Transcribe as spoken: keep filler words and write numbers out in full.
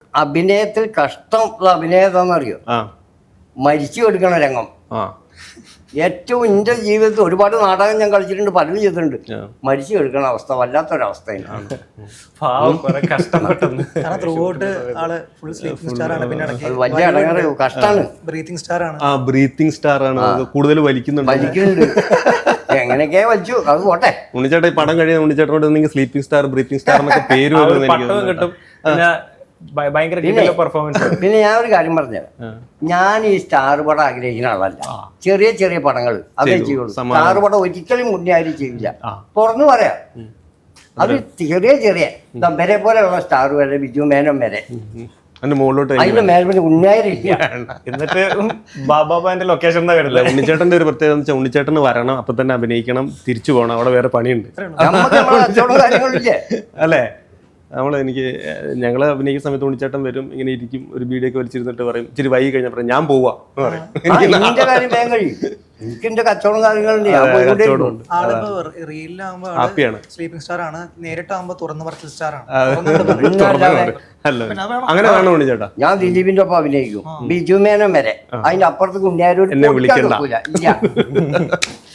അഭിനയത്തിൽ കഷ്ടമുള്ള അഭിനയതാന്നറിയോ? മരിച്ചു കൊടുക്കണ രംഗം. ഏറ്റവും എൻ്റെ ജീവിതത്തിൽ ഒരുപാട് നാടകം ഞാൻ കളിച്ചിട്ടുണ്ട്, പലരും ചെയ്തിട്ടുണ്ട്. മരിച്ചു എടുക്കണ അവസ്ഥ വല്ലാത്തൊരവസ്ഥയാണ്. വലിയ അടങ്ങാറ് കഷ്ടാണ്. ബ്രീത്തിങ് സ്റ്റാർ ആണ്. ആ ബ്രീത്തിങ് സ്റ്റാർ ആണ്, കൂടുതൽ വലിക്കുന്നുണ്ട് വലിക്കുന്നുണ്ട്. എങ്ങനെയൊക്കെയാ വലിച്ചു, അത് പോട്ടെ. ഉണ്ണിച്ചേട്ടൻ ഈ പടം കഴിയാൻ ഉണ്ണിച്ചേട്ടനോട് നിങ്ങൾ സ്ലീപ്പിംഗ് സ്റ്റാർ ബ്രീത്തിങ് സ്റ്റാർ എന്നൊക്കെ പേര് വരുന്നത് കിട്ടും. പിന്നെ ഞാൻ ഒരു കാര്യം പറഞ്ഞുതരാം. ഞാൻ ഈ സ്റ്റാർ പടം ആഗ്രഹിക്കുന്ന ആളല്ല. ചെറിയ ചെറിയ പടങ്ങൾ അതേ ചെയ്യുള്ളൂ. സ്റ്റാർ പടം ഒരിക്കലും മുന്നേ ആരും ചെയ്യില്ല, തുറന്നു പറയാം. അത് ചെറിയ ചെറിയ വരെ പോലെയുള്ള സ്റ്റാർ വരെ, ബിജു മേനോൻ വരെ, അതിന്റെ മേൽപ്പിന് ഉണ്ണിയായിരിക്കും. എന്നിട്ട് ബാബാന്റെ ലൊക്കേഷൻ ഉണ്ണിച്ചേട്ടന്റെ ഒരു പ്രത്യേകത എന്ന് വെച്ചാൽ ഉണ്ണിച്ചേട്ടന് വരണം, അപ്പൊ തന്നെ അഭിനയിക്കണം, തിരിച്ചു പോകണം, അവിടെ വേറെ പണിയുണ്ട്. കാര്യങ്ങളില്ലേ അല്ലേ? നമ്മൾ എനിക്ക് ഞങ്ങൾ അഭിനയിക്കുന്ന സമയത്ത് ഉണ്ണിച്ചേട്ടൻ വരും, ഇങ്ങനെ ഇരിക്കും, ഒരു ബീഡിയൊക്കെ വലിച്ചിരുന്നിട്ട് പറയും, ഇച്ചിരി വൈകി കഴിഞ്ഞപ്പോൾ ഞാൻ പോവാ എന്ന് പറയും. എനിക്ക് എന്റെ കച്ചവടം കാര്യങ്ങളുണ്ട്. ഹാപ്പിയാണ്. സ്ലീപ്പിംഗ് സ്റ്റാർ ആണ്, നേരിട്ടാകുമ്പോ തുറന്നു പറച്ചിൽ സ്റ്റാർ ആണ്. അങ്ങനെ വേണം ഉണ്ണിച്ചേട്ടാ. ഞാൻ ദിലീപിന്റെ ഒപ്പം അഭിനയിക്കും, ബിജു മേനോൻ വരെ. അതിന്റെ അപ്പുറത്ത് കുഞ്ഞാരോട് എന്നെ വിളിക്കണ്ട.